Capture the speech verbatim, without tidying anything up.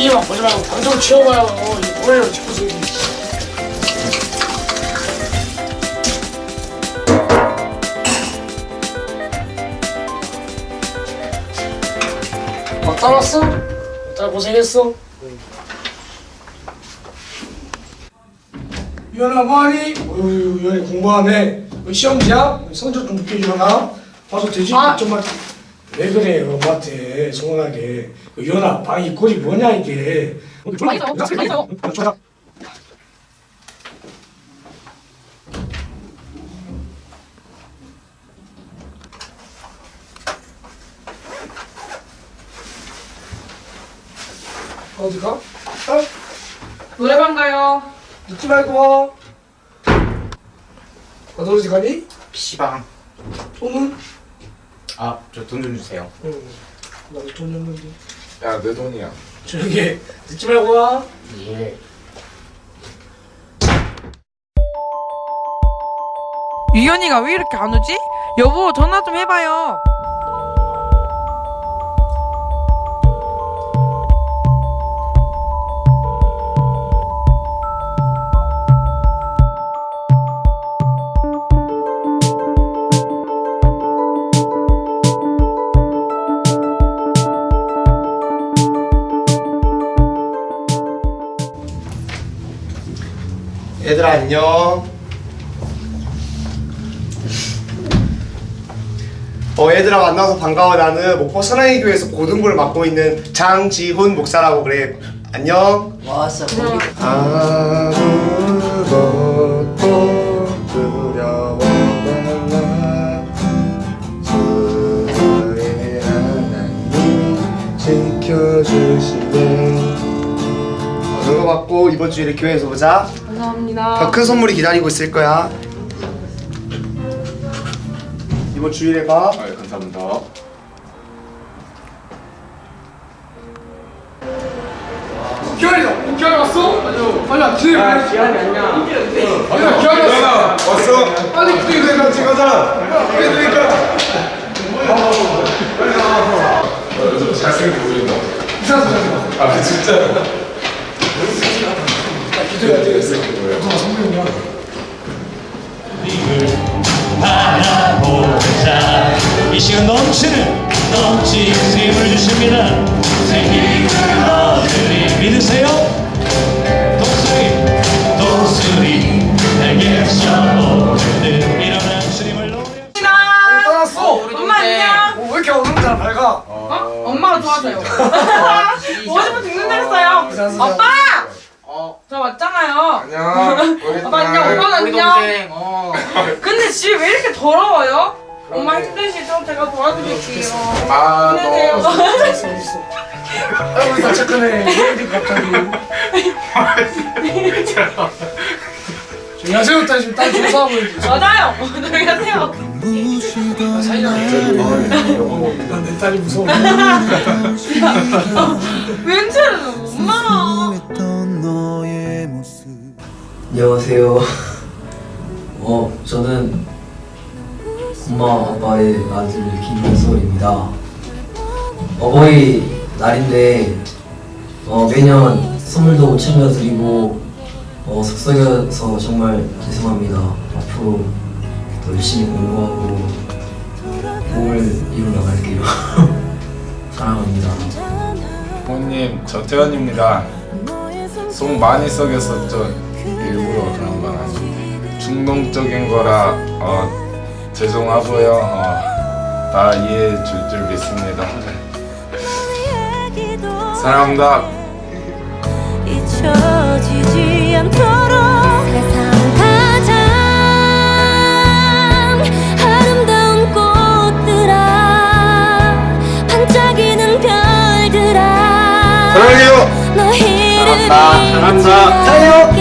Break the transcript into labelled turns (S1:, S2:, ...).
S1: 티비만 보지 말고 방송을 치워봐요. 이거 뭐예요 자꾸 저기. 막 따랐어? 딸 고생했어? 유연아 뭐하니? 어휴 유연이 공부하네. 시험지야? 성적 좀 높게 주거나 봐서 되지?
S2: 아.
S1: 좀만. 왜 그래 엄마한테 서운하게. 유연아 방이 꼴이 뭐냐 이게.
S2: 많이 있어요. 많이 있어요.
S1: 좋아. 어디 가? 어?
S2: 노래방 가요.
S1: 늦지 말고 와. 어디 어디 가니?
S3: 피시방.
S1: 돈은?
S3: 아, 저 돈 좀 주세요.
S1: 응. 나도 돈 줬는데.
S4: 야, 내 돈이야.
S1: 조용히 해. 늦지 말고 와.
S3: 예.
S5: 유연이가 왜 이렇게 안 오지? 여보 전화 좀 해봐요.
S3: 얘들아 안녕. 어 얘들아 만나서 반가워. 나는 목포 선하이 교회에서 고등부를 맡고 있는 장지훈 목사라고 그래. 안녕.
S6: 왔어.
S3: 아무것도 두려워 말라. 주의 하나님 지켜주시네. 어, 그거 받고 이번 주일에 교회에서 보자.
S2: 감사합니다.
S3: 더 큰 선물이 기다리고 있을 거야. 이번 주일에 봐.
S4: 아, 감사합니다.
S1: 기현이다. 어, 기현이 왔어? 아니요. 아니야 기현이. 아 기현이 아니야. 아니야 기현이 왔어.
S4: 왔어?
S1: 빨리 기현이 가.
S4: 같이 가자. 그러니까. 잘생겨 보인다.
S1: 이상한 소리 하지 마.
S4: 아, 진짜.
S1: 기준이 안 되겠어. 누가 선배님이야.
S7: 바라보자. 이 시간 넘치는 넘치는 힘을 주십니다. 생기를 얻으리 믿으세요. 독수리 독수리 내게서 오르는 일어난 주님을 노래.
S1: 떠났어.
S2: 엄마 안녕.
S1: 어, 왜 이렇게 오늘따라 밝아?
S2: 어? 엄마가 좋아서요. 오십분 죽는 줄 알았어요.
S1: 이상한
S2: 아빠!
S3: 어.
S2: 저 왔잖아요.
S3: 안녕.
S2: 아빠 안녕. 엄마 안녕.
S3: 어.
S2: 근데 집이 왜 이렇게 더러워요? 엄마 힘드시죠? 제가 도와드릴게요.
S4: 아,
S2: 힘내세요.
S4: 너.
S1: 있어 있어. 아이고 나 착하네. 왜 이렇게 갑자기. 조용히 하세요. 딸 지금 딸 조사하고 있지.
S2: 맞아요. 조용히 하세요.
S1: 사이가 난내 딸이 무서워.
S2: 왠지는 엄마.
S6: 안녕하세요. 어, 저는 엄마 아빠의 아들 김민솔입니다. 어버이 날인데 어, 매년 선물도 챙겨드리고 어, 속썩여서 정말 죄송합니다. 앞으로 더 열심히 공부하고 꿈을 이루 나갈게요. 사랑합니다.
S4: 부모님, 저 태연입니다. 속 많이 썩였었죠. 일부러 그런 건 아닌데. 충동적인 거라, 어, 죄송하고요. 어, 다 이해해 줄 줄 믿습니다. 사랑합니다.
S8: 잊혀지지 않도록 세상 가장 아름다운 꽃들아 반짝이는 별들아
S3: 사랑해요.
S8: 너희를
S3: 사랑한다. 사랑한다. 사랑해요.